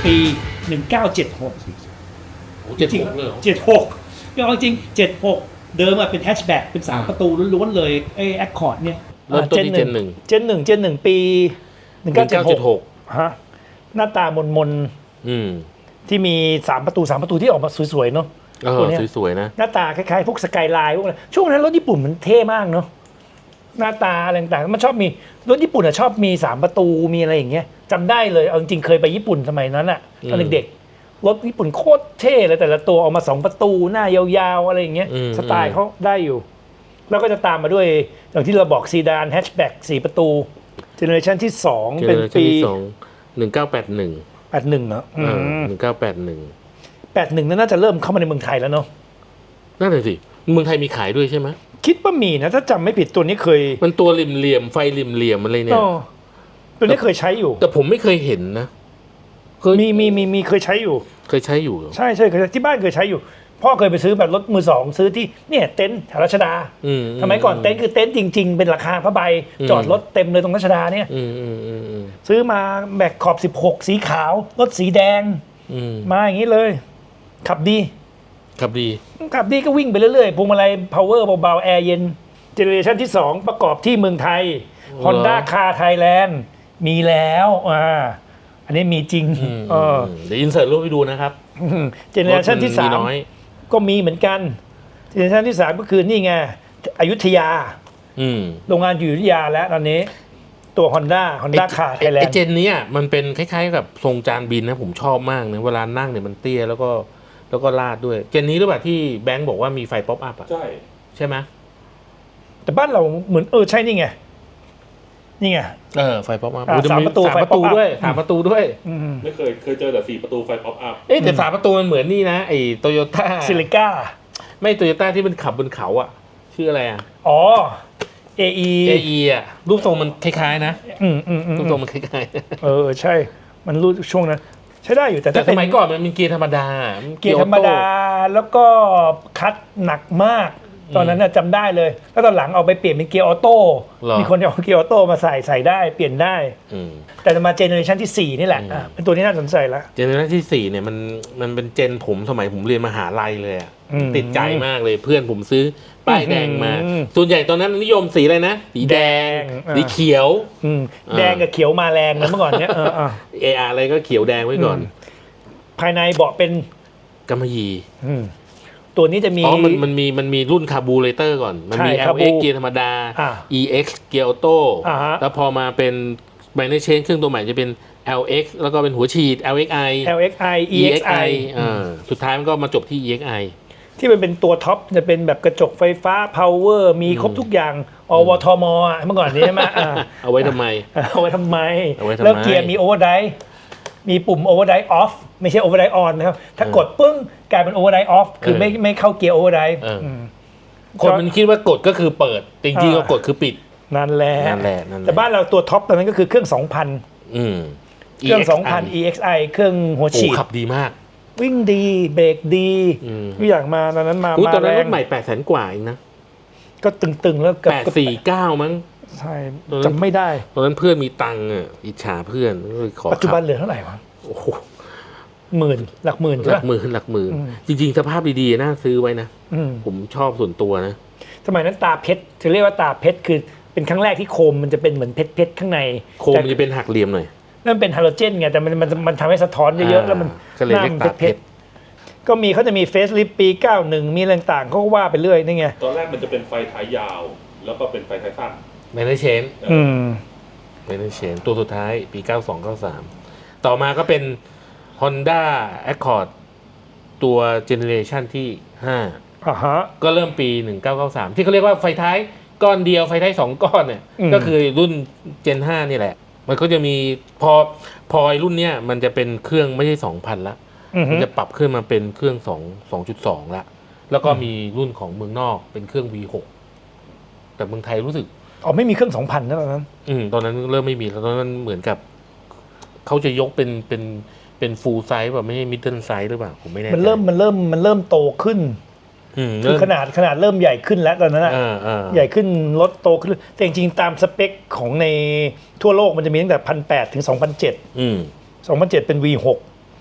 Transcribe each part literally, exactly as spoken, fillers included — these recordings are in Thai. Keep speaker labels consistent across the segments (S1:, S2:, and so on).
S1: ปีหนึ่งเก้าเจ็ดหก
S2: โอ้เจ็ดหกเลย
S1: เจ็ดหกก็จริงเจ็ดหกเดิมอะเป็นแฮชแบ็กเป็นสามประตูล้วนๆเลยไอ้แอคคอร์ดเนี่ย
S2: เริ่มต้นที่เจนหนึ่ง
S3: เจนหนึ่งเจนหนึ่งปีหนึ่งเก้าเจ็ดหกฮะหน้าตามนมนที่มีสามประตูสามประตูที่ออกมาสวยๆเนาะ
S2: เออสวยๆนะ
S3: หน้าตาคล้ายๆพวกสกายไลน์พวกอะไรช่วงนั้นรถญี่ปุ่นมันเท่มากเนาะหน้าตาอะไรต่างๆมันชอบมีรถญี่ปุ่นอะชอบมีสามประตูมีอะไรอย่างเงี้ยจำได้เลยเอาจริงๆเคยไปญี่ปุ่นสมัยนั้นอะตอนเด็กๆรถญี่ปุ่นโคตรเท่เลยแต่ละตัวออกมาสองประตูหน้ายาวๆอะไรอย่างเงี้ยสไตล์เขาได้อยู่แล้วก็จะตามมาด้วยอย่างที่เราบอกซีดานแฮชแบ็กสี่ประตูเจเนอเรชันที่สองเป็นปี
S2: หนึ่งเก้าแปดหนึ่ง
S3: แปดหนึ่งเหรอ
S2: หนึ่งเก้าแปดหนึ่ง
S3: แปดหนึ่งน่าจะเริ่มเข้ามาในเมืองไทยแล้วเนาะ
S2: น่าจะสิเมืองไทยมีขายด้วยใช่ไหม
S3: คิดว่ามีนะถ้าจำไม่ผิดตัวนี้เคย
S2: มันตัวริมเหลี่ยมไฟริมเหลี่ยมอะไรเนี่ย
S3: ตัวนี้เคยใช้อยู่
S2: แต่ผมไม่เคยเห็นนะ
S3: มีมีมีมีเคยใช้อยู่
S2: เคยใช้อยู่
S3: ใช่ใช่เคยที่บ้านเคยใช้อยู่พ่อเคยไปซื้อแบบรถมือสองซื้อที่เนี่ยเต็นท์แถวรัชดาสมัยก่อนเต็นท์คือเต็นท์จริงๆเป็นราคาผ้าใบจอดรถเต็มเลยตรงรัชดาเนี่ยซื้อมาแม็กขอบสิบหกสีขาวรถสีแดงมาอย่างนี้เลยขับดี
S2: ขับดี
S3: ขับดีก็วิ่งไปเรื่อยๆพวงมาลัย power เบาๆแอร์เย็นเจเนอเรชันที่สองประกอบที่เมืองไทย Honda Car Thailand มีแล้วอ่าอันนี้มีจริงเออ
S2: เดี๋ยวอินเสิร์ตรูปให้ดูนะครับ
S3: เจเนอเรชันที่สามก็มีเหมือนกันเจเนอเรชันที่สามก็คือนี่ไงอยุธยาโรงงานอยู่อยุธยาแล้วตอนนี้ตัว Honda Honda Car Thailand
S2: ไอเจนนี้มันเป็นคล้ายๆกับทรงจานบินนะผมชอบมากนะเวลานั่งเนี่ยมันเตี้ยแล้วก็แล้วก็ลาดด้วยเจนนี้หรือเปล่าที่แบงค์บอกว่ามีไฟป๊อปอัพอ่ะ
S1: ใช่
S2: ใช่ไหม
S3: แต่บ้านเราเหมือนเออใช่นี่ไงนี่ไง
S2: เออไฟป๊อปอัพ
S3: สามประตู
S2: สามประตูด้วยสามประตูด้วย
S1: ไม่เคยเคยเจอแต่สี่ประตูไฟป๊อปอัพ
S2: เอ๊ะแต่สามประตูมันเหมือนนี่นะไอ้โตโยต้า
S3: ซิลิก้า
S2: ไม่โตโยต้าที่มันขับบนเขาอ่ะชื่ออะไรอ่ะ
S3: อ๋อ เอ อี
S2: เอ อี อ่ะรูปทรงมันคล้ายๆนะ
S3: อืมอืม
S2: รูปทรงมันคล้าย
S3: ๆเออใช่มันรูปช่วงนั้นใช้ได้อยู่แต่
S2: แต่สมัยก่อนมันเป็นเกียร์ธรรมดา
S3: เกียร์ธรรมดาแล้วก็คัดหนักมากตอนนั้นจำได้เลยแล้วตอนหลังเอาไปเปลี่ยนเป็นเกียร์ออโต้มีคนเอาเกียร์ออโต้มาใส่ใส่ได้เปลี่ยนได้แต่มาเจเนอเรชันที่สี่นี่แหละเป็นตัวที่น่าสนใจแล้ว
S2: เจเนอเรชันที่สี่เนี่ยมันมันเป็นเจนผมสมัยผมเรียนมหาลัยเลยอ่ะติดใจมากเลยเพื่อนผมซื้อป้ายแดงมาส่วนใหญ่ตอนนั้นนิยมสีอะไรนะสีแดงสีเขียว
S3: แดงกับเขียวมาแรงนะเมื่อก่อนเนี้ยเออ
S2: เอออะไรก็เขียวแดงไว้ก่อน
S3: ภายในเบาะเป็น
S2: กำมะหยี่
S3: ตัวนี้จะมี
S2: อ๋อมันมันมีมันมีรุ่นคาร์บูเรเตอร์ก่อนมันมี แอล เอ็กซ์ เกียร์ธรรมดา อี เอ็กซ์ เกียร์ออโต้แล้วพอมาเป็นไบเนอร์เชนเครื่องตัวใหม่จะเป็น แอล เอ็กซ์ แล้วก็เป็นหัวฉีด แอล เอ็กซ์ ไอ
S3: แอล เอ็กซ์ ไอ อี เอ็กซ์ ไอ
S2: อ่าสุดท้ายมันก็มาจบที่ อี เอ็กซ์ ไอ
S3: ที่มันเป็นตัวท็อปจะเป็นแบบกระจกไฟฟ้า power มีครบทุกอย่างอวทมเมื่อก่อนนี้ใช่ไหม
S2: เอาไว้ทำไม
S3: เอาไว้ทำไมแล้วเกียร์มีโอเวอร์ไดร์มีปุ่ม overdrive off ไม่ใช่ overdrive on นะครับถ้ากดปึ้งกลายเป็น overdrive off คือไม่ไม่เข้าเกียร์ overdrive
S2: คนมันคิดว่ากดก็คือเปิดจริงๆก็กดคือปิด
S3: นั่นแหละ
S2: นั่นแหละ
S3: แต่บ้านเราตัวท็อปตอนนั้นก็คือเครื่อง สองพัน
S2: อืม
S3: เครื่อง สองพัน อี เอ็กซ์ ไอ เครื่องหัวฉีด
S2: ขับดีมาก
S3: วิ่งดีเบรกดีทุกอย่างมาตอนนั้นมา
S2: ตอนนั้นรถใหม่ แปดแสน กว่าเองนะ
S3: ก็ตึงๆแล้ว
S2: เกือบแปดสี่เก้ามั้ง
S3: ใช่จำไม่ได้
S2: ตอนนั้นเพื่อนมีตังค์อ่ะอิจฉาเพื่อนขอ
S3: ปัจจุบันเหลือเท่าไหร่วะ
S2: โอ้โห
S3: หมื่นหลักหมื่น
S2: หลักหมื่นหลักหมื่นจริงๆสภาพดีๆน่าซื้อไว้นะผมชอบส่วนตัวนะ
S3: สมัยนั้นตาเพชรจะเรียกว่าตาเพชรคือเป็นครั้งแรกที่โคมมันจะเป็นเหมือนเพชรเพชรข้างใน
S2: โคมมันจะเป็นหักเหลี่ยมหน่อย
S3: นั่นเป็นฮาโลเจนไงแต่มันมันมันทำให้สะท้อนเยอะๆแล้วมัน
S2: ก็เลยเรียกตาเพชร
S3: ก็มีเขาจะมีเฟซลิฟปีเก้าสิบเอ็ดมีอะไรต่างๆเขาก็ว่าไปเรื่อยนี่ไง
S1: ตอนแรกมันจะเป็นไฟท้ายยาวแล้วก็เป็นไฟท้ายสั้น
S2: ไมเนอร์เชน
S3: อืม
S2: ไมเนอร์เชนตัวสุดท้ายปีเก้าสอง เก้าสามต่อมาก็เป็น Honda Accord ตัวเจเนอเรชันที่ห้า
S3: อ่าฮะ
S2: ก็เริ่มปีหนึ่งเก้าเก้าสามที่เขาเรียกว่าไฟท้ายก้อนเดียวไฟท้ายสองก้อนเนี่ยก็คือรุ่น Gen ห้านี่แหละมันก็จะมีพอพอรุ่นเนี้ยมันจะเป็นเครื่องไม่ใช่ สองพัน ละมันจะปรับขึ้นมาเป็นเครื่องสอง สองจุดสอง ละแล้วก็มีรุ่นของเมืองนอกเป็นเครื่อง วี หก แต่เมืองไทยรู้สึก
S3: อ๋อไม่มีเครื่อง สองพัน นะตอนนั้น
S2: อืมตอนนั้นเริ่มไม่มีแล้วตอนนั้นเหมือนกับเขาจะยกเป็นเป็นเป็นฟูลไซส์แบบไม่ใช่มิดเดิลไซส์หรือเปล่าผมไม่แน่ใจ
S3: มันเริ่มมันเริ่มมันเริ่มโตขึ้นคือขนาดขนาดเริ่มใหญ่ขึ้นแล้วตอนนั้นอ่ะใหญ่ขึ้นรถโตขึ้นแต่จริงๆตามสเปคของในทั่วโลกมันจะมีตั้งแต่ หนึ่งพันแปดร้อย ถึง สองพันเจ็ด
S2: อืม
S3: สองพันเจ็ด เป็น วี หก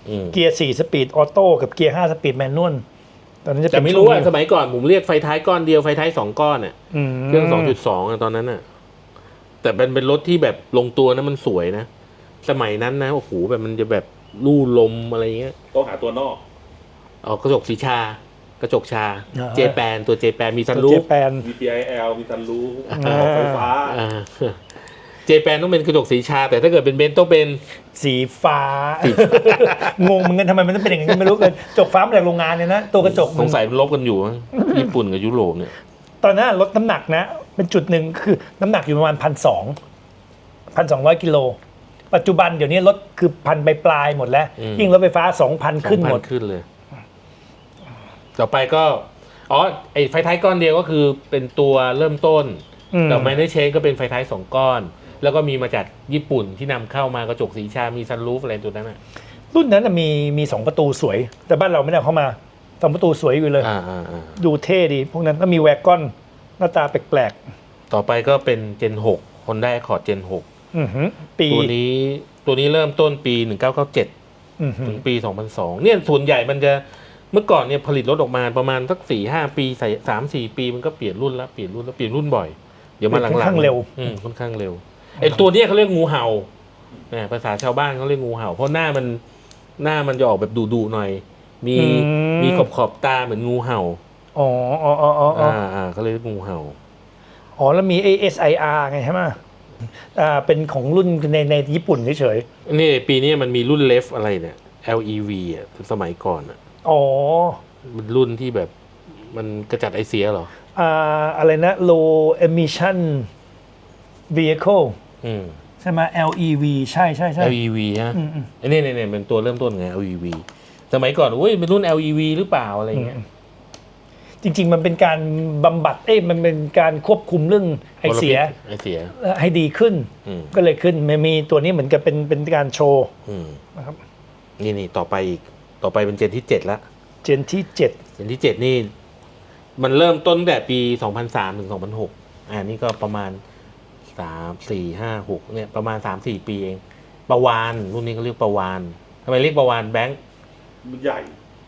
S2: อืม
S3: เกียร์สี่สปีดออโต้กับเกียร์ห้าสปีดแมนนวลตอนนั้นจะ
S2: แต่
S3: เป็น
S2: ไม่รู้อ่ะ
S3: ช่วง
S2: สมัยก่อนผมเรียกไฟท้ายก้อนเดียวไฟท้ายสองก้อนอ่ะ
S3: ม
S2: เครื่อง สองจุดสอง อ่ะตอนนั้นอ่ะ แต่เป็นเป็นรถที่แบบลงตัวนะมันสวยนะ สมัยนั้นนะโอ้โหแบบมันจะแบบลู่ลมอะไรเงี้ย
S4: ต้องหาตัวนอก
S2: เอากระจกสีชา กระจกชา เจแปนตัวเจแปนมีซัน
S3: ตัว
S2: รู
S3: เจ
S2: ฟ
S3: แปน
S4: มี พี ไอ แอล มีซันรูฟ
S3: อ่า
S4: ไฟฟ้า
S2: เจแปนต้องเป็นกระจกสีชา แต่ถ้าเกิดเป็นเบนซ์ต้องเป็น
S3: สีฟ้า งงเหมือนกันทำไมมันต้องเป็นอย่างนั้นไม่รู้เลยจกฟ้ามาจากโรงงานเนี่ยนะตัวกระจก
S2: สงสัยมันลบกันอยู่มั้งญี่ปุ่นกับยุโรปเนี่ย
S3: ตอนนั้นลดน้ำหนักนะ เป็นจุดหนึ่งคือน้ำหนักอยู่ประมาณพันสองพันสองร้อยกิโลปัจจุบันเดี๋ยวนี้ลดคือพันปลายๆหมดแล้ว
S2: อืม
S3: ยิ่งรถไฟฟ้าสองพันขึ้นหมด
S2: สองพัขึ้นเลย ต่อไปก็ อ๋อ ไอไฟท้ายก้อนเดียวก็คือเป็นตัวเริ่มต้น
S3: อืม
S2: แต่ไมเนอร์เชนก็เป็นไฟท้ายสองก้อน แล้วก็มีมาจากญี่ปุ่นที่นำเข้ามากระจกสีชา มีซันรูฟอะไรตัวนั้นอ่ะ
S3: รุ่นนั้นนะมีมีสองประตูสวย แต่บ้านเราไม่ได้เอาเข้ามาสองประตูสวยอยู่เลย
S2: อ่าอ่าอ่า
S3: ดูเท่ดี พวกนั้นก็มีแวกกอนหน้าตาแปลก
S2: ต่อไปก็เป็น Gen หก Honda Accord Gen หก
S3: ๆอือหือปี
S2: ตัวนี้ตัวนี้เริ่มต้นปี หนึ่งเก้าเก้าเจ็ด
S3: อือหื
S2: ถึ
S3: อง
S2: ปี สองพันสอง เนี่ยส่วนใหญ่มันจะเมื่อก่อนเนี่ยผลิตรถออกมาประมาณสักสี่ห้าปีใส่สามสี่ปีมันก็เปลี่ยนรุ่นละเปลี่ยนรุ่นแล้วเปลี่ยนรุ่นบ่อย เดี๋ยวมาหลังๆ
S3: ค่อนข้างเร็ว
S2: อืมค่อนข้างเร็วไอ้ตัวเนี้ยเขาเรียกงูเห่าเนี่ยภาษาชาวบ้านเขาเรียกงูเห่า เพราะหน้ามันหน้ามันจะออกแบบดุๆหน่อย มีมีขอบขอบๆตาเหมือนงูเห่า
S3: อ๋ออ๋ออ๋ออ๋ออ๋อ
S2: อ่าอ่าเขาเรียกงูเห่า
S3: อ๋อแล้วมี เอ เอส ไอ อาร์ ไงใช่ไหมอ่าเป็นของรุ่นในในญี่ปุ่นเฉย
S2: นี่ปีนี้มันมีรุ่นเลฟอะไรเนี่ย แอล อี วี อ่ะสมัยก่อนอ่ะ
S3: ๆอ๋อ
S2: มันรุ่นที่แบบมันกระจัดไอเสียเหรอ
S3: อ่าอะไรนะ low emission vehicle
S2: อืม
S3: ใช่ไหม แอล อี วี ใช่ใช่ใช่
S2: แอล อี วี ฮะ
S3: อืมอืม
S2: ไอ้นี่เนี่ยเนี่ยเป็นตัวเริ่มต้นไง แอล อี วี สมัยก่อนอุ้ยเป็นรุ่น แอล อี วี หรือเปล่าอะไรเงี้ย
S3: จริง ๆ มันเป็นการบำบัดเอ้ยมันเป็นการควบคุมเรื่องไอเสีย
S2: ไอเสีย
S3: ให้ดีขึ้น
S2: อืม
S3: ก็เลยขึ้นมันมีตัวนี้เหมือนกับเป็นเป็นการโชว์
S2: อืม
S3: นะครับ
S2: นี่นี่ต่อไปอีก ต่อไปเป็นเจนที่เจ็ดละ
S3: เจนที่เจ็ด
S2: เจนที่เจ็ดนี่ มันเริ่มต้นตั้งแต่ปีสองพันสามถึงสองพันหกอ่านี่ก็ประมาณสามสี่ห้าหกเนี่ยประมาณสามสี่ปีเองประวานรุ่นนี้เขาเรียกประวานทำไมเรียกประวานแบงค์
S4: มันใหญ่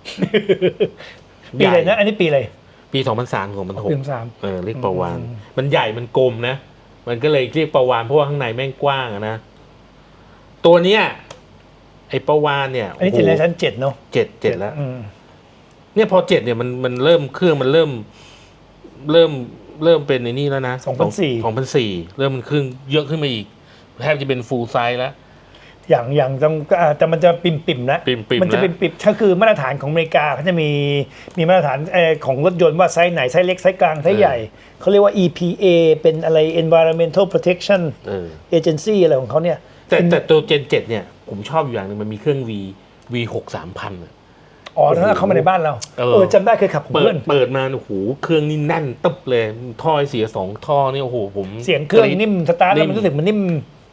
S3: ปีอะไรนะ อันนี้ปีอะไร
S2: ปีสองพันสามถึงสองพันหก
S3: ปีสาม
S2: เออเรียกประวาน
S3: อืม
S2: มันใหญ่มันกลมนะ มันก็เลยเรียกประวานเพราะว่าข้างในแม่งกว้างอะนะ ตัวเนี้ยไอ้ประวานเนี่ย
S3: อันนี้เจเนอเรชั่นเจ็ดเนาะ
S2: เจ็ดเจ็ดแล้ว
S3: อืม
S2: เนี่ยพอเจ็ดเนี่ยมันมันเริ่มเครื่องมันเริ่ม เริ่มเริ่มเป็นในนี่แล้วนะ
S3: สองพันสี่
S2: สองพันสี่เริ่มมันเครื่องเยอะขึ้นมาอีกแทบจะเป็นฟูลไซส์แล้ว
S3: อย่างอย่างต้องอ่าแต่มันจะปิ่มปิ่มๆนะ
S2: ปิ่มๆ
S3: มันจะ
S2: นะ
S3: เป็นปิ่มก็คือมาตรฐานของอเมริกาเขาจะมีมีมาตรฐานเอ่อของรถยนต์ว่าไซส์ไหนไซส์เล็กไซส์กลางไซส์ใหญ่เขาเรียกว่า อี พี เอ เป็นอะไร Environmental Protection
S2: เออ
S3: Agency อะไรของเขาเนี่ย
S2: แต่
S3: เป็น
S2: แต่ตัวเจนเจ็ดเนี่ย ผมชอบอยู่อย่างหนึ่งมันมีเครื่อง V V หกสามพันอะ
S3: อ๋อถ้าเข้ามาในบ้านเรา
S2: เออ
S3: เออจำได้เคยขับของ
S2: เปิ
S3: เพื่
S2: ด
S3: อน
S2: เปิดมาโอ้โหเครื่องนี่แน่นตึ๊บเลยท่อเสียสองท่อนี่โอ้โหผม
S3: เสียงเครื่องนิ่มสตาร์ทแล้ว
S2: นิ่ม
S3: มันรู้สึกมันนิ่ม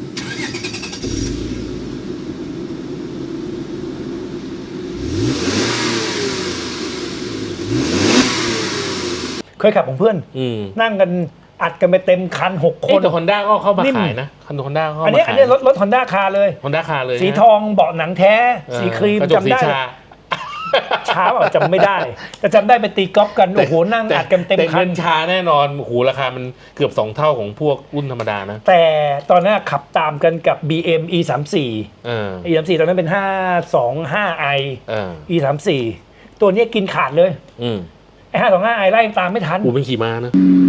S3: เคยขับของเพื่อน
S2: อืม
S3: นั่งกันอัดกันไปเต็มคันหกค
S2: เอ้ย
S3: น
S2: แต่ฮอนด้าก็เข้ามา
S3: นิ่ม
S2: ขายนะคันฮอนด้าเข้า
S3: อัน
S2: มา
S3: เนี้ยอั
S2: ขาน ย
S3: เนี้ยรถรถฮอนด้าคาเลย
S2: ฮอนด้าคาเลย
S3: สี
S2: นะ
S3: ทองเบาะหนังแท้
S2: เออ
S3: สีครีม
S2: กระจก
S3: จำได้
S2: สีชา
S3: ช้าเปล่าจำไม่ได้ แต่จำได้ไปตีกอล์ฟกัน โอ้โห นั่งอัดกันเต็ม
S2: แต่
S3: คั
S2: เงิ
S3: น
S2: นชาแน่นอนโอ้โหราคามันเกือบสองเท่าของพวกรุ่นธรรมดานะ
S3: แต่ตอนนั้นขับตามกันกับ บี เอ็ม อี สามสี่
S2: เออ
S3: อี สามสี่ตอนนั้นเป็นห้าสองห้า i
S2: เออ
S3: อี สามสี่ตัวเนี้ยกินขาดเลย
S2: อืม
S3: ไอ้ห้าสองห้า i ไล่ตามไม่ทัน
S2: อูเป็นขี่ม้านะ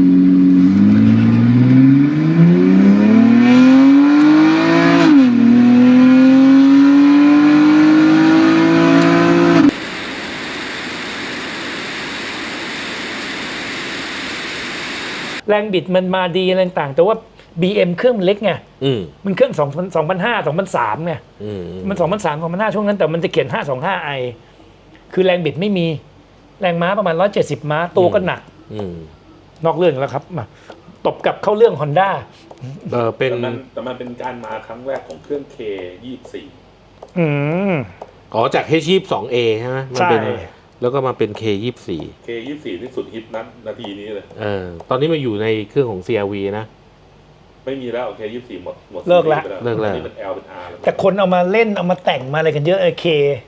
S3: แรงบิดมันมาดีอะไรต่างๆแต่ว่า บี เอ็ม เครื่องมันเล็กไง
S2: อืม
S3: มันเครื่องสองพันสองพันห้าสองพันสามไง
S2: อืม
S3: มันสองพันสามสองพันห้าช่วงนั้นแต่มันจะเขียนห้าสองห้า i คือแรงบิดไม่มีแรงม้าประมาณร้อยเจ็ดสิบม้าตัวก็หนัก
S2: อืม
S3: นอกเรื่องแล้วครับมาตบกลับเข้าเรื่อง Honda
S2: เออเป็น
S4: แต่มันแต่มันเป็นการมาครั้งแรกของเครื่อง K ยี่สิบสี่
S3: อืม
S2: อ๋อจาก H ยี่สิบสอง A ใช่ไหมมันเป็น
S3: ใช่
S2: แล้วก็มาเป็น K ยี่สิบสี่
S4: K ยี่สิบสี่ที่สุดฮิตนั้นนาทีนี้เลย
S2: เออตอนนี้มาอยู่ในเครื่องของ ซี อาร์ วี นะ
S4: ไม่มีแล้ว K ยี่สิบสี่หมดหมด
S3: เลิกละ
S4: ซีรีส์ไป
S2: เลิกแล้ว
S4: นี่เป็น L เป็น R แล้ว
S3: แต่คนเอามาเล่นเอามาแต่งมาอะไรกันเยอะเอเค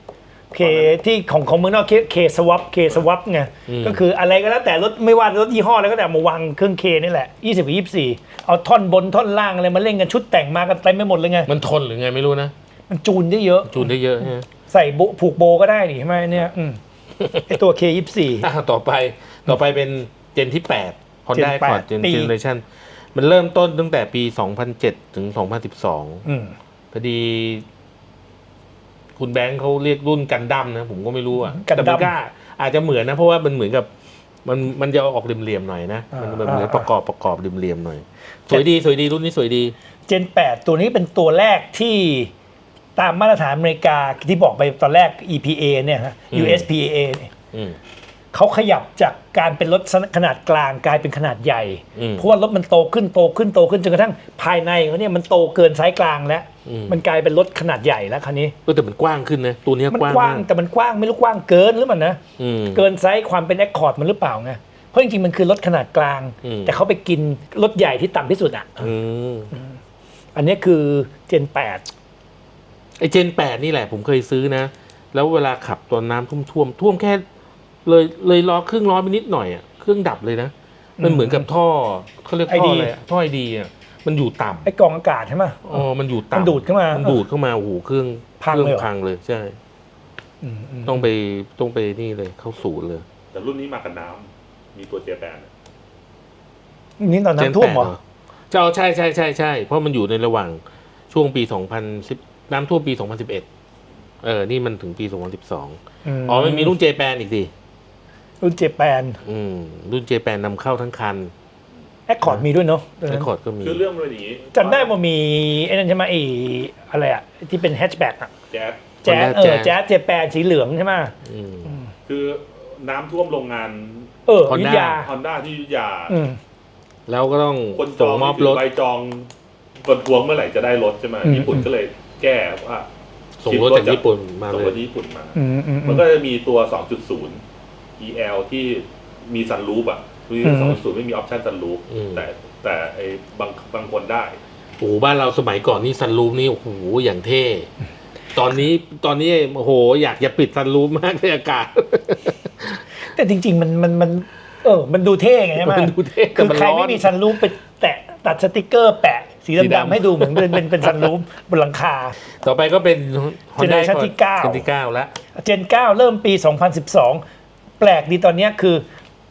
S3: เคที่ของของเมืองนอกเคเคสวอปเคสวอปไงก็คืออะไรก็แล้วแต่รถไม่ว่ารถยี่ห้ออะไรก็แต่มาวางเครื่องเคนี่แหละยี่สิบกับยี่สิบสี่เอาท่อนบนท่อนล่างอะไรมาเล่นกันชุดแต่งมากันเต็มไปหมดเลยไง
S2: มันทนหรือไงไม่รู้นะ
S3: มันจูนได้เยอะ
S2: จูนได้เยอะใช่ไหม
S3: ใส่โบผูกโบก็ได้นี่ใช่ไหมเนี่ยอืมไอตัว เค ยี่สิบสี่
S2: อ่ะต่อไปต่อไปเป็นเจนที่แปด Honda
S3: Gen แปด
S2: Accord Gen
S3: ปี
S2: Generation มันเริ่มต้นตั้งแต่ปี สองพันเจ็ด ถึง สองพันสิบสอง
S3: อืม
S2: พอดี คุณแบงค์เขาเรียกรุ่นกันดั้มนะ ผมก็ไม่รู้อ่ะ
S3: กันดั้ม
S2: แต่มันก็อาจจะเหมือนนะ เพราะว่ามันเหมือนกับ มันมันจะออกเหลี่ยมๆหน่อยนะ มันแบบเหมือน
S3: อ่า
S2: ประกอบประกอบเหลี่ยมๆหน่อย สวยดีสวยดีรุ่นนี้สวยดี
S3: เจนแปดตัวนี้เป็นตัวแรกที่ตามมาตรฐานอเมริกาที่บอกไปตอนแรก อี พี เอ เนี่ยฮะ
S2: อืม
S3: ยู เอส พี เอ เนี่ย
S2: อืม
S3: เขาขยับจากการเป็นรถขนาดกลางกลายเป็นขนาดใหญ่
S2: อืม
S3: เพราะว่ารถมันโตขึ้นโตขึ้นโตขึ้นจนกระทั่งภายในเขาเนี่ยมันโตเกินไซส์กลางแล้ว
S2: อืม
S3: มันกลายเป็นรถขนาดใหญ่แล้วคันนี้
S2: เออแต่มันกว้างขึ้นนะ ตัวเนี้ย
S3: มัน
S2: กว้าง
S3: กว้าง
S2: มาก
S3: แต่มันกว้างไม่รู้กว้างเกินหรือมันนะ
S2: อืม
S3: เกินไซส์ความเป็นแอคคอร์ดมันหรือเปล่าไงเพราะจริงๆมันคือรถขนาดกลาง
S2: อืม
S3: แต่เขาไปกินรถใหญ่ที่ต่ำที่สุดอ่ะ
S2: อืม
S3: อันนี้คือเจนแปด
S2: ไอเจนแปดนี่แหละผมเคยซื้อนะ แล้วเวลาขับตอนน้ำท่วมท่วมท่วมแค่เลยเลยล้อครึ่งล้อไปนิดหน่อยอ่ะเครื่องดับเลยนะ มันเหมือนกับท่อเขาเรียกท่ออะไรอะท่อไอดีอ่ะมันอยู่ต่ำ
S3: ไอ้กรองอากาศใช่ไหม
S2: อ๋อมันอยู่ต่ำ
S3: มันดูดเข้ามา
S2: มันดูดเข้ามาโอ้โหเครื่อง
S3: พัง
S2: เครื่
S3: เลยเหรอ
S2: พังเลยใช่
S3: อืมอืม
S2: ต้องไปต้องไปนี่เลยเข้าศูนย์เลย
S4: แต่รุ่นนี้มากับน้ำมีตัวเจแปน
S3: นี่ตอนน้ำท่วมเหรอ
S2: เจ้าใช่ใช่ใช่ใช่เพราะมันอยู่ในระหว่างช่วงปีสองพันสิบน้ำท่วมปีสองพันสิบเอ็ดเออนี่มันถึงปีสองพันสิบสองอ๋อมันมีรุ่นเจแปนอีกสิ
S3: รุ่นเจแปน
S2: อืมรุ่นเจแปนนำเข้าทั้งคัน
S3: แอคคอร์ดมีด้วยเนาะ
S2: ไอคอร์ดก็มี
S4: คือเรื่องมันเป็นอย่างนี้
S3: จำได้ว่ามีไอ้นั่นใช่ไหมไอ้อะไรอะที่เป็นแฮชแบ็กอะ
S4: แจ๊ส
S3: แจ๊ส
S2: Honda
S3: เออ
S2: Jazz
S3: แจ๊สเจแปนสีเหลืองใช่ไหม
S2: อืม
S4: คือน้ำท่วมโรงงาน
S3: เออ
S2: Honda
S3: อยุธยา
S4: ฮอนด้าที่อยุธยา
S3: อืม
S2: แล้วก็ต้อง
S4: คนจ
S2: ส่
S4: อง ง
S2: มอบ
S4: ถื
S2: ร
S4: อ
S2: ถ
S4: ใบจองคนทวงเมื่อไหร่จะได้รถใช่ไหม
S3: อืม
S4: ญี่ปุ่นก็เลยแก้ว่า
S2: ส่งรถจากญี่ปุ่นมา
S4: ส่ง
S2: เล
S4: ร
S2: ย
S4: ถที่ญี่ปุ่นมา
S3: อืมอืมอื
S4: มัน
S3: ม
S4: ก็จะมีตัว สองจุดศูนย์ อี แอล ที่มีซันรูฟอ่ะมี
S3: อืม
S4: สองจุดศูนย์ไม่มีออปชั่นซันรูฟ
S2: อืม
S4: แต่แต่ไอ้บางบางคนได้
S2: โอ้โหบ้านเราสมัยก่อนนี่ซันรูฟนี่โอ้โหอย่างเท่ ตอนนี้ตอนนี้โอ้โหอยากจะปิดซันรูฟมากในอากาศ
S3: แต่จริง ๆ มันมันมันเออมันดูเท่ไงใช่ไหม
S2: มันดูเท่แต่
S3: คือ
S2: มัน
S3: ใคร
S2: ร้อน
S3: ไม่มีซันรูฟไปแตะตัดสติกเกอร์แปะสี
S2: สีดำ
S3: ดำๆให้ดูเหมือนเป็นเป็นเป็นซันรูฟบนหลังคา
S2: ต่อไปก็เป็น Honda
S3: Generation ที่เก้า
S2: เจนที่เก้าแล้ว
S3: เจนเก้าเริ่มปี สองพันสิบสอง แปลกดีตอนเนี้ยคือ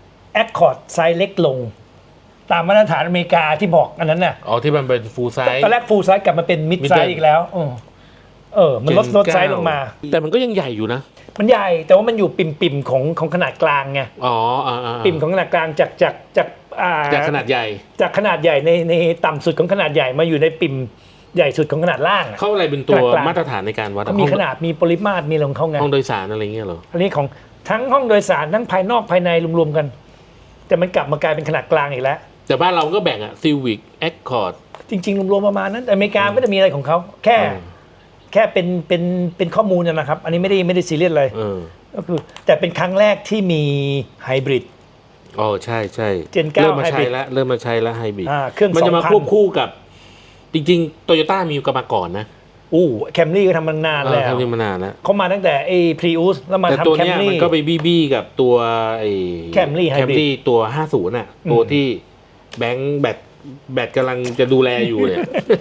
S3: Accord ไซส์เล็กลง ตามมาตรฐานอเมริกาที่บอกอันนั้นน่ะ
S2: อ๋อที่มันเป็นฟูลไซส์
S3: ตอนแรกฟูลไซส์กลับมาเป็นมิด
S2: Mid
S3: ไซ
S2: size
S3: ส์อีกแล้วเออเออ มันลดลดไซส์ลงมา
S2: แต่มันก็ยังใหญ่อยู่นะ
S3: มันใหญ่แต่ว่ามันอยู่ปิ่มปิ่มๆของของขนาดกลางไง
S2: อ๋ออ่าอ่า
S3: ปิ่มของขนาดกลางจากจากจากอ่า
S2: จากขนาดใหญ่
S3: จากขนาดใหญ่ในในต่ำสุดของขนาดใหญ่มาอยู่ในปิ่มใหญ่สุดของขนาดล่างอะ
S2: เข้าอะไรเป็นตัว
S3: ขนาดกลาง
S2: มาตรฐานในการวัด
S3: ก็มีขนาดมีปริมาตรมีอะไรของเขาไง
S2: ห้องโดยสารอะไรเงี้ยเหรอ
S3: อันนี้ของทั้งห้องโดยสารทั้งภายนอกภายในรวมๆกัน แต่มันกลับมากลายเป็นขนาดกลางอีกแล้ว
S2: แต่บ้านเราก็แบ่งอะ Civic Accord
S3: จริงๆรวมๆประมาณนั้นแต่อเมริกาไม่ได้มีอะไรของเขาแค่
S2: เออ
S3: แค่เป็นเป็นเป็นข้อมูลนะครับ อันนี้ไม่ได้ไม่ได้ซีเรียสเลย
S2: เออ
S3: ก็คือแต่เป็นครั้งแรกที่มีไฮบริด
S2: อ๋อใช่ใช่
S3: Gen เก้า
S2: เริ่มมาใช้
S3: Hybrid
S2: แล้วเริ่มมาใช้แล้วไฮบริด
S3: อ่าเครื่อง
S2: มันจะมา
S3: สองพัน
S2: ควบคู่กับ จริงๆโตโยต้ามีกันมาก่อนนะ
S3: อู้แคมรี่ก็ทำมานาน
S2: เออ
S3: แล้ว
S2: ทำนี่มานานแล้ว
S3: เขามาตั้งแต่ไอ้พรีอุสแล้วมา
S2: แต่ตัว
S3: ทำแคม
S2: เนี้ย
S3: รี่
S2: มันก็ไปบี้บี้กับตัวไอ้
S3: Camry Hybrid
S2: แคมรี่ตัวห้าสิบน่ะ ตัว
S3: อืม
S2: ที่แบงค์แบตแบตกำลังจะดูแลอยู่เนี่ย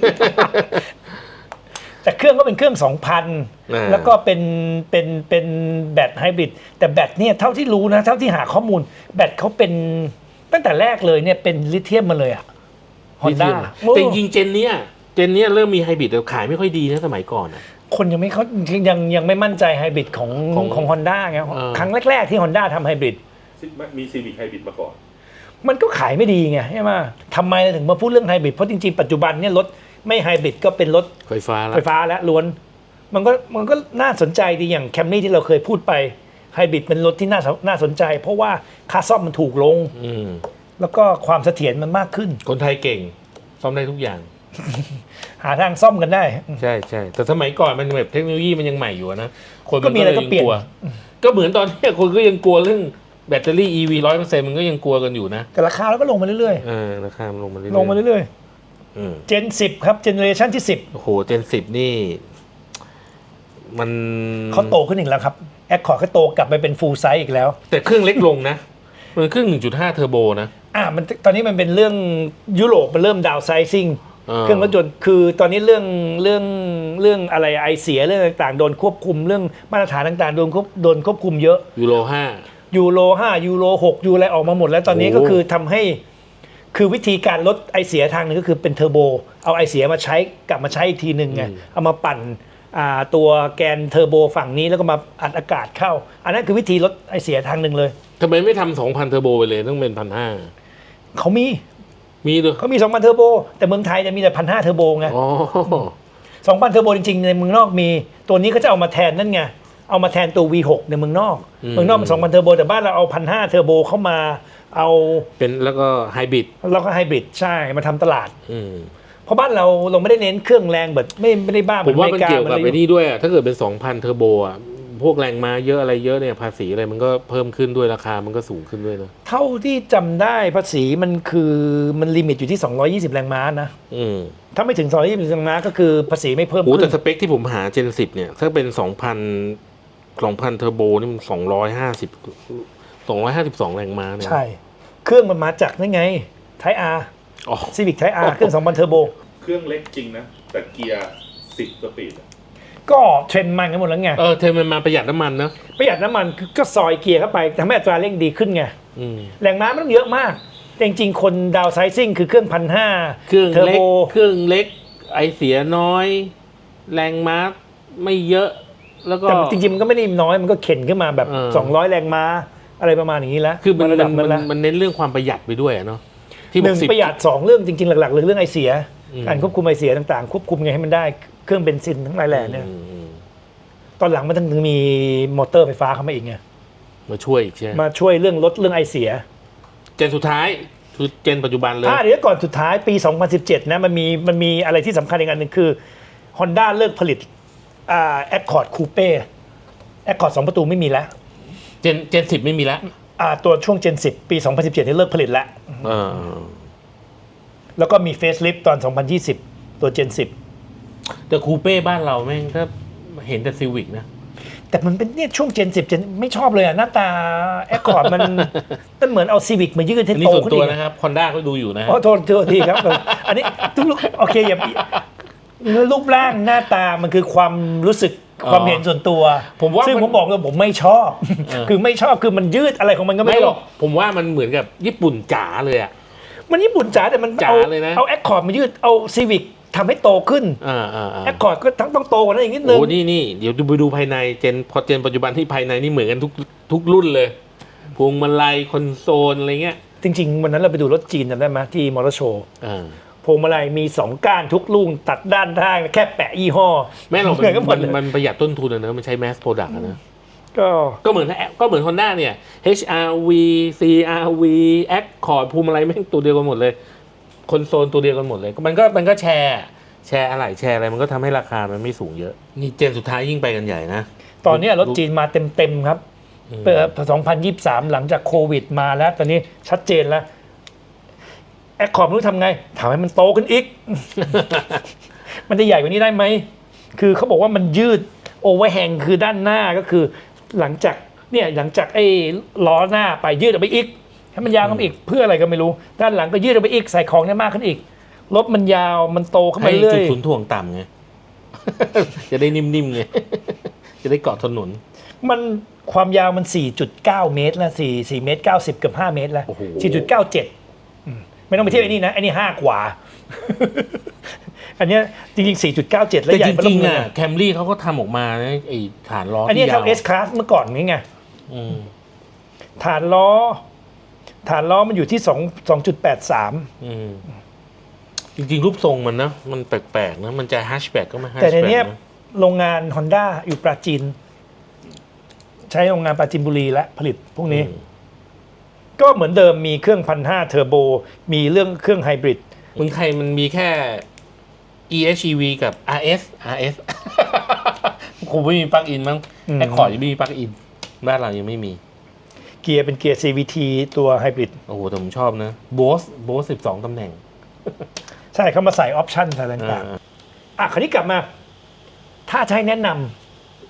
S3: แต่เครื่องก็เป็นเครื่อง สองพัน
S2: อ่า
S3: แล้วก็เป็นเป็นเป็นแบตไฮบริดแต่แบตเนี่ยเท่าที่รู้นะเท่าที่หาข้อมูล แบตเขาเป็นตั้งแต่แรกเลยเนี่ยเป็นลิเธียมมาเลยอะฮอนด้า
S2: แต่จริงๆเจนเนี้ยเจนเนี้ยเริ่มมีไฮบริดแต่ขายไม่ค่อยดีนะสมัยก่อนอะ
S3: คนยังไม่เขายังยังไม่มั่นใจไฮบริดของ
S2: ของ
S3: ของฮอนด้าไง
S2: เออ
S3: ครั้งแรก ๆ ที่ฮอนด้าทำไฮบริด
S4: มีซีวิคไฮบริดมาก่อน
S3: มันก็ขายไม่ดีไงใช่ไหมทำไมเราถึงมาพูดเรื่องไฮบริดเพราะจริงๆ ปัจจุบันเนี่ยรถไม่ไฮบริดก็เป็นรถ
S2: ไฟฟ้าแล้ว
S3: ไฟฟ้าแล้วล้วน มันก็มันก็น่าสนใจดีอย่างแคมรี่ที่เราเคยพูดไปไฮบริดเป็นรถที่น่าน่าสนใจ เพราะว่าค่าซ่อมมันถูกลง
S2: อืม
S3: แล้วก็ความเสถียรมันมากขึ้น
S2: คนไทยเก่งซ่อมได้ทุกอย่าง
S3: หาทางซ่อมกันได้
S2: ใช่ใช่แต่สมัยก่อนมันแบบเทคโนโลยีมันยังใหม่อยู่นะคน
S3: ก็
S2: มัน
S3: มี
S2: ก็
S3: อะไร
S2: เลย
S3: ก็
S2: ยัง
S3: เปลี่ย
S2: ก
S3: น
S2: ลัว ก็เหมือนตอนนี้คนก็ยังกลัวเรื่องแบตเตอรี่ อี วี ร้อยเปอร์เซ็นต์มันก็ยังกลัวกันอยู่นะ
S3: แต่ราคาเราก็ลงมาเรื่อย
S2: เออราคามันลงมาเรื่อย
S3: ๆ
S2: ๆ
S3: ลงมาเรื่อย
S2: อืม
S3: ๆ เจนสิบครับเจเนอเรชันที่สิบ
S2: โอ้โหเจนสิบนี่มัน
S3: เขาโตขึ้นอีกแล้วครับแอคคอร์ดก็โตกลับไปเป็นฟูลไซส์อีกแล้ว
S2: แต่เครื่องเล็กลงนะ มันเครื่อง หนึ่งจุดห้า เทอร์โบนะ
S3: อ่ามันตอนนี้มันเป็นเรื่องยุโรปมันเริ่มดาวไซซิ่ง
S2: เออ
S3: เครื่องรถยนต์คือตอนนี้เรื่องเรื่องเรื่องอะไรไอเสียเรื่องต่างๆโดนควบคุมเรื่องมาตรฐานต่างๆโดนควบโดนควบคุมเยอะ
S2: ยูโรห้า
S3: ยูโรห้ายูโรหกยูอะไรออกมาหมดแล้วตอนนี้
S2: โอ้
S3: ก็คือทำให้คือวิธีการลดไอเสียทางหนึงก็คือเป็นเทอร์โบเอาไอเสียมาใช้กลับมาใช้อีกทีหนึ่งไงเอามาปั่นอ่าตัวแกนเทอร์โบฝั่งนี้แล้วก็มาอัดอากาศเข้า อันนั้นคือวิธีลดไอเสียทางหนึ่งเลย
S2: ทำไมไม่ทำสองพันเทอร์โบไปเลยต้องเป็นพันห้า
S3: เขามี
S2: มีด้วย
S3: เขามีสองพันเทอร์โบแต่เมืองไทยจะมีแต่พันห้าเทอร์โบไง
S2: อ๋อ
S3: สองพันเทอร์โบจริงๆในเมืองนอกมีตัวนี้เขาจะเอามาแทนนั่นไงเอามาแทนตัว วี หก ในเมืองนอก
S2: อืม
S3: เมืองนอกมันสองพันเทอร์โบแต่บ้านเราเอาพันห้าเทอร์โบเข้ามาเอา
S2: เป็นแล้วก็ไฮบริด
S3: แล้วก็ไฮบริดใช่มาทำตลาด
S2: อืม
S3: เพราะบ้านเราเราไม่ได้เน้นเครื่องแรงแบบไม่ไม่ได้บ้า
S2: ผมว่ามันเกี่ยวกับ
S3: ห
S2: ไอ้
S3: อ
S2: นี่ด้วยอะถ้าเกิดเป็น สองพัน เทอร์โบอ่ะ พวกแรงม้าเยอะอะไรเยอะเนี่ยภาษีอะไรมันก็เพิ่มขึ้นด้วยราคามันก็สูงขึ้นด้วยนะ
S3: เท่าที่จำได้ภาษีมันคือมันลิมิตอยู่ที่สองร้อยยี่สิบแรงม้านะ
S2: อืม
S3: ถ้าไม่ถึงสองร้อยยี่สิบแรงม้าก็คือภาษีไม่เพิ่ม
S2: โอ้
S3: ขึ้
S2: แต่
S3: น
S2: สเปคที่ผมหา Gen สิบเนี่ย ถ้าเป็น สองพัน สองพัน เทอร์โบนี่มัน สองร้อยห้าสิบ สองร้อยห้าสิบสอง แรงม้าเนี่ย
S3: ใช่ เครื่องมันมาจากนั่นไงไทยอาร์
S2: อ๋อ
S3: ซีวิกไทยอาร์เครื่องสองพันเทอร์โบ
S4: เครื่องเล็กจริงนะ แต่เกียร์สิบสปีดอะ
S3: ก็เทรนด์มันกันหมดแล้วไง
S2: เออเทรนด์มันมาประหยัดน้ำมันเนอะ
S3: ประหยัดน้ำมันก็ซอยเกียร์เข้าไปทำให้อัตราเร่งดีขึ้นไง
S2: อืม
S3: แรงม้าไม่ต้องเยอะมากแต่จริงๆคนดาวไซซิ่งคือเครื่องพันห้า
S2: เครื่อง
S3: เทอร์
S2: เล็
S3: โบ
S2: ก เครื่องเล็ก ไอเสียน้อย แรงม้าไม่เยอะ แล้วก็
S3: แต่จริงๆมันก็ไม่ได้น้อยมันก็เข็นขึ้นมาแบบ
S2: เออ
S3: สองร้อยแรงม้าอะไรประมาณอย่างนี้แล้ว
S2: คือมัน
S3: ระดับ
S2: มั
S3: นั้น นแล้ว
S2: มันเน้นเรื่องความประหยัดไปด้วยอะเนาะที่
S3: หนึ่ง
S2: บอกสิบ
S3: ประหยัดสองเรื่องจริงๆหลักๆเลยเรื่องไอเสีย
S2: อืม
S3: การควบคุมไอเสียต่างๆควบคุมไงให้มันได้เครื่องเบนซินทั้งหลายแหล่เนี่ย
S2: อืมอืม
S3: ตอนหลังมันถึงมีมอเตอร์ไฟฟ้าเข้ามาอีกไง
S2: มาช่วยอีกใช่ไหม
S3: มาช่วยเรื่องลดเรื่องไอเสีย
S2: เจนสุดท้ายคือเจนปัจจุบันเลย
S3: อ่าเดี๋ยวก่อนสุดท้ายปี สองพันสิบเจ็ดนะมันมีมันมีอะไรที่สำคัญอีกอันหนึ่งคือ Honda เลิกผลิตอ่า Accord Coupe Accord สองประตูไม่มีแล้ว
S2: เจนเจนสิบไม่มีแล้ว
S3: อ่าตัวช่วง Gen สิบ ปี สองพันสิบเจ็ดนี่เลิกผลิตแล้ว
S2: เออ
S3: แล้วก็มี Facelift ตอน สองพันยี่สิบ ตัว Gen สิบ
S2: แต่คูเป้บ้านเราแม่งก็เห็นแต่ซีวิกนะ
S3: แต่มันเป็นเนี่ยช่วง Gen สิบ Gen ไม่ชอบเลยอ่ะหน้าตา Accord มัน มันเหมือนเอา Civic มายืดให้
S2: อันนี้
S3: โต
S2: ส่วน
S3: ขึ้น
S2: ตัว
S3: อีก
S2: นะครับคอนด้าก็ดูอยู่นะ
S3: อ๋อโทษโทษทีครับ อันนี้ทุกโอเคอย่ารูปร่างหน้าตามันคือความรู้สึก
S2: อ๋อ
S3: ความเห็นส่วนตัว
S2: ผมว่า
S3: ซึ่ง
S2: มัน
S3: ผมบอกเลยผมไม่ชอบ
S2: เออ
S3: คือไม่ชอบคือมันยืดอะไรของมันก็
S2: ไม่
S3: ไม่
S2: หร
S3: รู้
S2: อกผมว่ามันเหมือนกับญี่ปุ่นจ๋าเลยอ่ะ
S3: มันญี่ปุ่นจ๋าแต่มัน
S2: จ๋า
S3: เอา
S2: เลยนะ
S3: เอาแอคคอร์ดมายืดเอาซีวิกทำให้โตขึ้น
S2: อ่าอ่าอ่า
S3: แอคคอร์ดก็ต้องต้องโตกว่านั้นอีกนิดนึง
S2: โอ้นี่นี่เดี๋ยวดูไปดูภายในเจนพอเจนปัจจุบันที่ภายในนี่เหมือนกันทุกทุกรุ่นเลยพวงมาลัยคอนโซลอะไรเงี้ย
S3: จริงๆวันนั้นเราไปดูรถจีนจำได้ไหมที่มอเตอร์โชว์
S2: อ่า
S3: พวงมาลัยมีสองก้านทุกลูกตัดด้านข้างแค่แปะยี่ห้อ
S2: แม่หรอก
S3: เหมือนกันหม
S2: มั
S3: ด
S2: น
S3: เลย
S2: มันประหยัดต้นทุนอะเนอะมันใช้แมสโปรดักต์อะนะ
S3: ก็
S2: ก็เหมือนก็เหมือน Honda เนี่ย เอช อาร์ วี ซี อาร์ วี Accord พวงมาลัยแม่งตัวเดียวกันหมดเลยคอนโซลตัวเดียวกันหมดเลยมันก็มันก็แชร์แชร์อะไรแชร์อะไรมันก็ทำให้ราคามันไม่สูงเยอะนี่เจนสุดท้ายยิ่งไปกันใหญ่นะ
S3: ตอนเนี้ยรถจีนมาเต็มๆครับ เปิดสองพันยี่สิบสามหลังจากโควิดมาแล้ว ตอนนี้ชัดเจนแล้วแอคคอร์ดไม่รู้ทำไงทำให้มันโตขึ้นอีก มันจะใหญ่กว่านี้ได้ไหม คือเขาบอกว่ามันยืดโอเวอร์แฮงคือด้านหน้าก็คือ หลังจากเนี่ยหลังจากไอ้ล้อหน้าไปยืดออกไปอีกให้มันยาวขึ้นไปอีกเพื่ออะไรก็ไม่รู้ ด้านหลังก็ยืดออกไปอีกใส่ของได้มากขึ้นอีกรถมันยาวมันโตขึ้นไป
S2: ให้
S3: เรื่อ
S2: จุด
S3: ย
S2: ศูนย์ถ่วงต่ำไง จะได้นิ่มๆไง จะได้เกาะถนน
S3: มันความยาวมัน สี่จุดเก้า เมตรแล้ว4 4เมตรเก้าสิบเกือบห้าเมตรแล้ว
S2: โอ้โห
S3: สี่จุดเก้าเจ็ด อืมไม่ต้องไปเทียบไอ้นี่นะไอ้นี่ห้ากว่า อันเนี้ยจริงๆ สี่จุดเก้าเจ็ด แล้ว
S2: แต่
S3: ใหญ่
S2: จ
S3: เบ
S2: ริง
S3: เล
S2: ๆ
S3: ย
S2: อ่ะแคมรี่เขาก็ทำออกมานะไอ้ฐานล้อ
S3: อันนี้
S2: ที่ยาว
S3: ทำ S Class เมื่อก่อนนี่ไง
S2: อืม
S3: ฐานล้อ ฐานล้อมันอยู่ที่2 2.83
S2: อืมจริงๆ รูปทรงมันนะมันแปลกๆนะมันจะแฮชแบ็กก็ไม่แฮช
S3: แต่ใน
S2: แบ็ก
S3: เนี้ย
S2: นะ
S3: โรงงาน Honda อยู่ปราจีน ใช้โรงงานปราจีนบุรีและผลิตพวกนี้
S2: อืม
S3: ก็เหมือนเดิมมีเครื่องพันห้าเทอร์โบมีเรื่องเครื่องไฮบริด
S2: เมืองไทยมันมีแค่ อี เอช อี วี กับ อาร์ เอส อาร์ เอส คงไม่มีปลั๊กอินมั้ง
S3: อืม
S2: แอคคอร์ดยังไม่มีปลั๊กอินบ้านเรายังไม่มี
S3: เกียร์เป็นเกียร์ ซี วี ที ตัวไฮบริด
S2: โอ้โหแต่ผมชอบนะโบสโบสสิบสองตำแหน่ง
S3: ใช่เขามาใส่ออปชั่นอะไรต่าง
S2: อ่า
S3: ๆอ่ะคราวนี้กลับมา ถ้าจะให้แนะน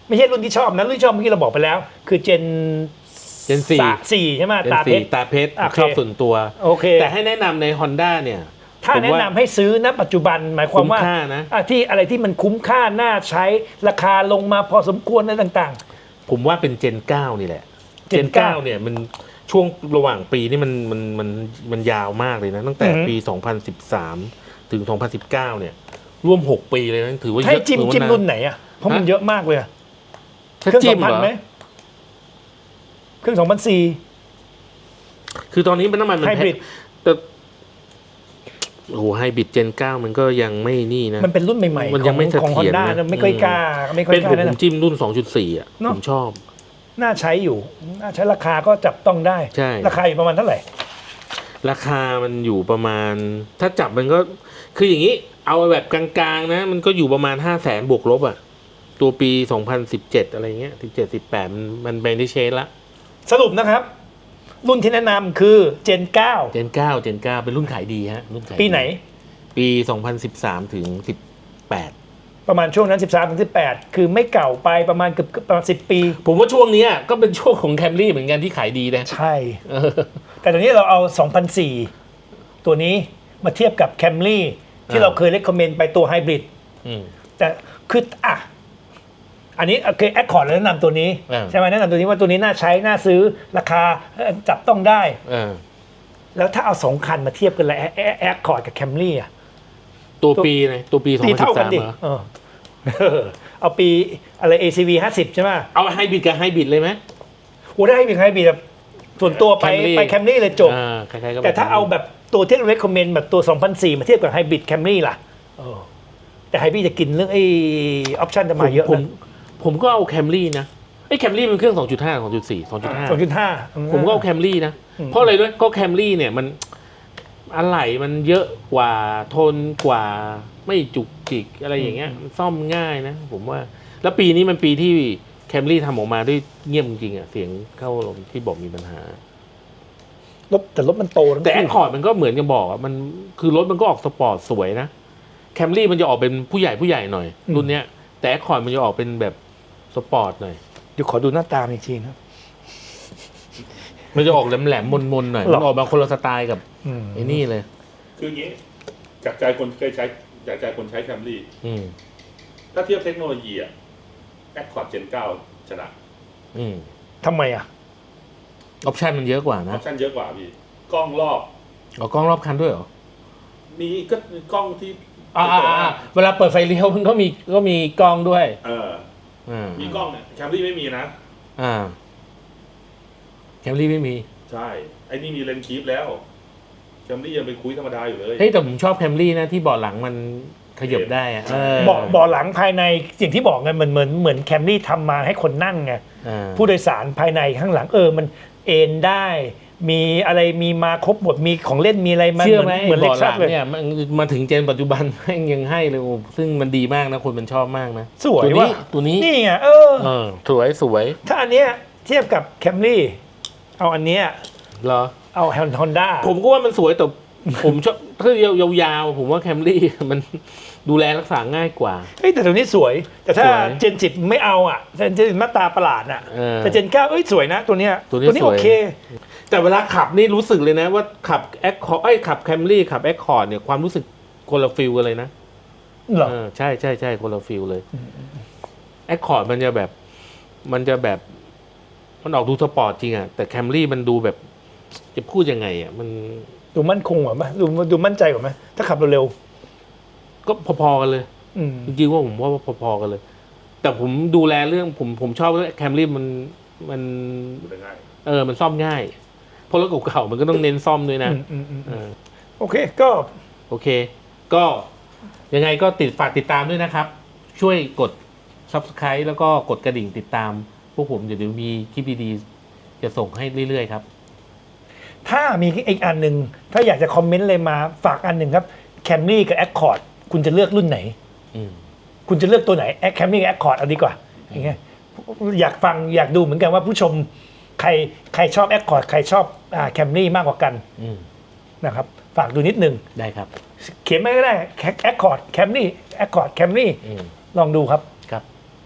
S3: ไม่ใช่รุ่นที่ชอบนะรุ่นที่ชอบเมื่อกี้เราบอกไปแล้ว คือเจน
S2: เจนสี่
S3: สี่ใช่ไหม
S2: เป็น
S3: ตาเพ
S2: สี
S3: ชร
S2: ตาเพชร
S3: โอเค
S2: ชอบส่วนตัว
S3: โอเค
S2: แต่ให้แนะนำใน Honda เนี่ย
S3: ถ้า
S2: ผม
S3: แนะ
S2: ว่
S3: นำให้ซื้อณปัจจุบันหมายความว่า
S2: คุ้มค่านะ
S3: อ่ะที่อะไรที่มันคุ้มค่าน่าใช้ราคาลงมาพอสมควรอะไรต่าง
S2: ผมว่าเป็นเจนเก้านี่แหละ เจ
S3: Gen
S2: นเก้าเนี่ยมันช่วงระหว่างปีนี่มันมันมันมันยาวมากเลยนะ ตั้งแต่
S3: อือฮึ
S2: ปี สองพันสิบสาม ถึง สองพันสิบเก้า เนี่ย ร่วม หก ปีเลยนะถือว่า
S3: ๆ
S2: เย
S3: ให้
S2: อะ
S3: จิ้ม
S2: ถือว่า
S3: จิ้ม
S2: า
S3: รุ่นไหนอ่ะเพราะมัน
S2: ฮะ
S3: เยอะมากเลยอะ
S2: ถ้า
S3: เครื่อง
S2: จิ้
S3: สอ
S2: ม
S3: งพัน
S2: เหรอ
S3: ไหมเครื่องสองพันสี่
S2: คือตอนนี้มันน้ำมันมัน
S3: ไฮ
S2: แพ
S3: บริ
S2: ง
S3: ด
S2: แต่โอ้โหไฮบริดเจนเก้ามันก็ยังไม่นี่นะ
S3: มันเป็นรุ่นใหม่ๆ
S2: มันยังไม่
S3: ของ
S2: เสถียร
S3: ฮอนด้า
S2: นะ
S3: ไม่ค่อยกล้าไม่ค่อย
S2: เป็น
S3: กล้า
S2: ผม
S3: แนะ
S2: ผม
S3: นำ
S2: จิ้มรุ่น สองจุดสี่ อ่ะ
S3: เนอะ
S2: ผมชอบ
S3: น่าใช้อยู่น่าใช้ราคาก็จับต้องได้
S2: ใช่
S3: ราคาอยู่ประมาณเท่าไหร่
S2: ราคามันอยู่ประมาณ ถ้าจับมันก็ คืออย่างนี้ เอาแบบกลางๆนะ มันก็อยู่ประมาณห้าแสนบวกลบอ่ะ ตัวปี สองพันสิบเจ็ด อะไรเงี้ยสิบเจ็ด สิบแปด มันมันไปได้เชนละ
S3: สรุปนะครับ รุ่นที่แนะนำคือเจนเก้า
S2: เจนเก้า เจนเก้า เป็นรุ่นขายดีฮะ รุ่นขายดี
S3: ปีไหน
S2: ปี สองพันสิบสาม ถึง สิบแปด
S3: ประมาณช่วงนั้น สิบสามถึงสิบแปด คือไม่เก่าไปประมาณเกือบประมาณสิบปี
S2: ผมว่าช่วงเนี้ยก็เป็นช่วงของแคมรี่เหมือนกันที่ขายดีนะ
S3: ใช่
S2: เออ
S3: แต่ตอนนี้เราเอา สองพันสี่ ตัวนี้มาเทียบกับ Camry ที่
S2: อ่า
S3: เราเคยเล c คอมเมนต์ไปตัวไฮบริด
S2: อืม
S3: แต่คืออ่ะอันนี้โอเคแอคคอร์ดแนะนำตัวนี้
S2: อ่า
S3: ใช่ไหมแนะนำตัวนี้ว่าตัวนี้น่าใช้น่าซื้อราคาเอ่อจับต้องได้
S2: เออ
S3: แล้วถ้าเอาสองคันมาเทียบกันเลยแอคคอร์ดกับ Camry อ่ะ
S2: ตัวปีไหนตัวปี
S3: ปีเท่ากัน
S2: สองพันสิบสาม
S3: ดิ
S2: เหรอ
S3: เออ เอาปีอะไร เอ ซี วี ห้าสิบใช่ไหม
S2: เอาไฮบริดกับไฮบริดเลยไหม
S3: โอ้ได้ให้มีใครบีแบบส่วนตัวไป
S2: Camry
S3: ไป Camry เลยจบ
S2: อ่าคล้ายๆกับ
S3: แต่ถ้าเอาแบบตัวที่ recommend แบบตัว สองพันสี่ มาเทียบกับไฮบริด Camry ล่ะเออแต่ไฮบริดจะกินเรื่องไอ้ออปชันจะมาเยอะ
S2: ผม
S3: นะ
S2: ผมก็เอาแคมรี่นะไอ้แคมรี่มันเครื่อง สองจุดห้า สองจุดสี่ สองจุดห้า
S3: สองจุดห้า
S2: ผมก็เอาแคมรี่นะ
S3: อืม
S2: เพราะอะไรด้วยก็แคมรี่เนี่ยมันอะไหล่มันเยอะกว่าทนกว่าไม่จุกจิกอะไรอย่างเงี้ยมันซ่อมง่ายนะ ผมว่า แล้วปีนี้มันปีที่แคมรี่ทำออกมาด้วยเงียบจริงๆอ่ะเสียงเข้าลมที่บอกมีปัญหา
S3: รถแต่รถมันโตทั้ง
S2: แต่แอ
S3: คู่
S2: คคอร์ดมันก็เหมือนกันบอกอ่ะมันคือรถมันก็ออกสปอร์ตสวยนะแคมรี่มันจะออกเป็นผู้ใหญ่ผู้ใหญ่หน่อยรุ่นเนี้ยแต่แอคคอร์ดมันจะออกเป็นแบบสปอร์ตหน่อย
S3: เดี๋ยวขอดูหน้าตาอีกทีนะ
S2: มันจะออกแหลมๆมนๆหน่อย
S3: หรอ
S2: มันออกมาคนละสไตล์กับ
S3: อืม
S2: ไอ้นี่เลย
S4: คืออย่างนี้จากใจคนเคยใช้จากใจคนใช้แคมรี่
S2: อืม
S4: ถ้าเทียบเทคโนโลยีอะแอคคอร์ดเจนเก้าชนะ
S2: อืม
S3: ทำไมอ่ะ
S2: ออปชันมันเยอะกว่า
S4: อ
S2: นะ
S4: อปชั่นเยอะกว่าพี่กล้องรอบ
S2: เอากล้องรอบคันด้วยเหรอ
S4: มีก็กล้องที่
S2: อ่าๆๆเวลาเปิดไฟเลี้ยวมันก็มีก็มีกล้องด้วย
S4: เออ
S2: อ่า
S4: มีกล้องเนี่ยแคมรี่ไม่มีนะ
S2: อ่าแคมรี่ไม่มี
S4: ใช่ ไอ้นี่มีเลนส์คีฟแล้วแคมรี่ยังเป็นคุยธรรมดาอยู่เลย
S2: เฮ้ยแต่ผมชอบแคมรี่นะที่เบาะหลังมันขยับได้อะเออ
S3: เบาะเบาะหลังภายในอย่างที่บอกไงเหมือนเหมือนเหมือนแคมรี่ทำมาให้คนนั่งไง
S2: อ่า
S3: ผู้โดยสารภายในข้างหลังเออมันเอนได้ มีอะไรมีมาครบหมดมีของเล่นมีอะไรมา
S2: เชื่อไหม
S3: เหมือนเล็ก
S2: เบาะห
S3: ซั
S2: ลั
S3: ส
S2: ง
S3: เลย
S2: เนี่ยมันมาถึงเจนปัจจุบัน แม่งยังให้เลยโอ้ซึ่งมันดีมากนะคนมันชอบมากนะ
S3: สวย
S2: ตัวนี้
S3: ว่ะ
S2: ตัวนี้
S3: นี่ไงเออ
S2: เออสวยสวย
S3: ถ้าอันเนี้ยเทียบกับแคมรี่เอาอันเนี้ย
S2: เหรอ
S3: เอาฮอนด้า
S2: ผมก็ว่ามันสวยแต่ ผมชอบถ้ายาวๆผมว่าแคมรี่ มันดูแลรักษาง่ายกว่า
S3: เฮ้ยแต่ตัวนี้สวย แต่ถ้า
S2: สวย
S3: เจนสิบไม่เอาอ่ะเจนเจนมาตราประหลาดอ่ะ
S2: เออ
S3: แต่เจนเก้าเอ้ยสวยนะตัวเนี้ย
S2: ตัวนี้สวย
S3: โอเค
S2: แต่เวลาขับนี่รู้สึกเลยนะว่าขับแอคคอร์ไอ้ยขับแคมรี่ขับแอคคอร์ดเนี่ยความรู้สึกคนละฟิลกันเลยนะ
S3: เหรอ
S2: เออใช่ใช่ใช่คนละฟิลเลยแอคคอร์ดมันจะแบบ มันจะแบบ มันออกดูสปอร์ตจริงอะแต่แคมรี่มันดูแบบ จะพูดยังไงอะมัน
S3: ดูมั่นคงกว่าไหมดูดูมั่นใจกว่าไหมถ้าขับเร็ว
S2: ก็พอๆกันเลย
S3: ๆอืม
S2: จริงๆว่าผมว่าพอๆกันเลย แต่ผมดูแลเรื่องผมผมชอบแคมรี่มันมัน
S4: ดูได้ง่าย
S2: เออ มันซ่อมง่าย เพราะรถเก่าๆมันก็ต้องเน้นซ่อมด้วยนะ
S3: อืมอืมอืม
S2: เออ
S3: โอเคก็
S2: โอเค ก็ยังไงก็ติดฝากติดตามด้วยนะครับ ช่วยกด Subscribe แล้วก็กดกระดิ่งติดตาม พวกผมเดี๋ยวมีคลิปดีๆจะส่งให้เรื่อยๆครับ
S3: ถ้ามีอีกอันหนึ่งถ้าอยากจะคอมเมนต์เลยมาฝากอันหนึ่งครับแคมรี่กับแอคคอร์ดคุณจะเลือกรุ่นไหน
S2: อืม
S3: คุณจะเลือกตัวไหนแอคแคมรี่กับแอคคอร์ดเอาดีกว่าอย่างเงี้ยอยากฟังอยากดูเหมือนกันว่าผู้ชมใครใครชอบแอคคอร์ดใครชอบอ่าแคมรี่มากกว่ากัน
S2: อืม
S3: นะครับฝากดูนิดนึง
S2: ได้ครับ
S3: เขียนไม่ก็ได้แอคคอร์ดแคมรี่แอคคอร์ดแคมรี่
S2: อืม
S3: ลองดูครับ
S2: ครับ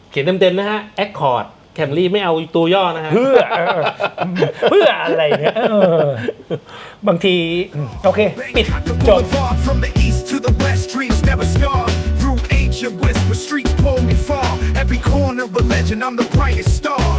S2: เขียนเต็มๆนะฮะ Accord Camry ไม่เอาตัวย่อนะฮะ
S3: เพื่อเออเพื่ออะไรเนี่ยเออบางทีโอเค ปิด
S5: The
S3: จบ
S5: boulevard from the east to the west, dreams never start. Through ancient whisper streets pull me far. Every corner of a legend, I'm the brightest star.